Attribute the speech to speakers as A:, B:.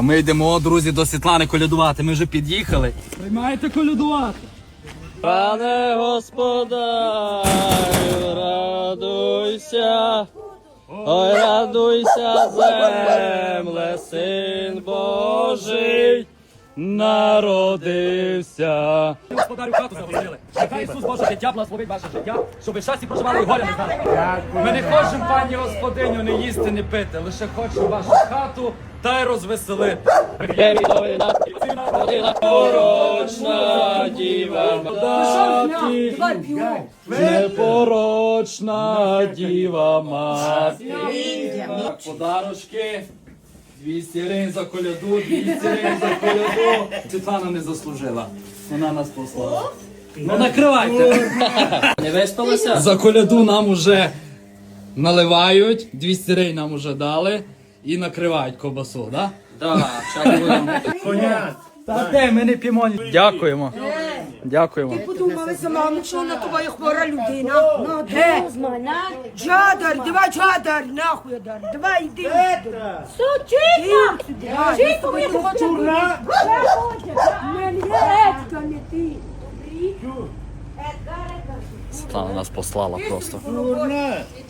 A: Ми йдемо, друзі, до Світлани колядувати. Ми вже під'їхали. Приймаєте колядувати? Пане господарю, радуйся, ой, радуйся, земле, Син Божий народився. Господарю, хату загородили. Нехай Ісус Боже життя благословить ваше життя, щоб ви щасті проживали і горя не знали. Ми не хочемо, пані господиню, не їсти, не пити, лише хочемо вашу хату та й розвеселити. Непорочна діва маті, непорочна діва маті. Подарочки. 200 гривень за коляду, 200 гривень за коляду. Світлана не заслужила. Вона нас послала. Ну накривайте. Не виспалися? За коляду нам уже наливають, 200 гривень нам уже дали і накривають ковбасу, так? Так, зараз будемо. Та де, ми не п'ємо. Дякуємо. Дякуємо.
B: Ти подумали за маму, що вона твоя хвора людина? Ну, де? Джадар, давай, Джадар, нахуй, Джадар, давай, йди.
C: Сучина!
B: Чітко мені хоче бути.
A: Світлана нас послала просто.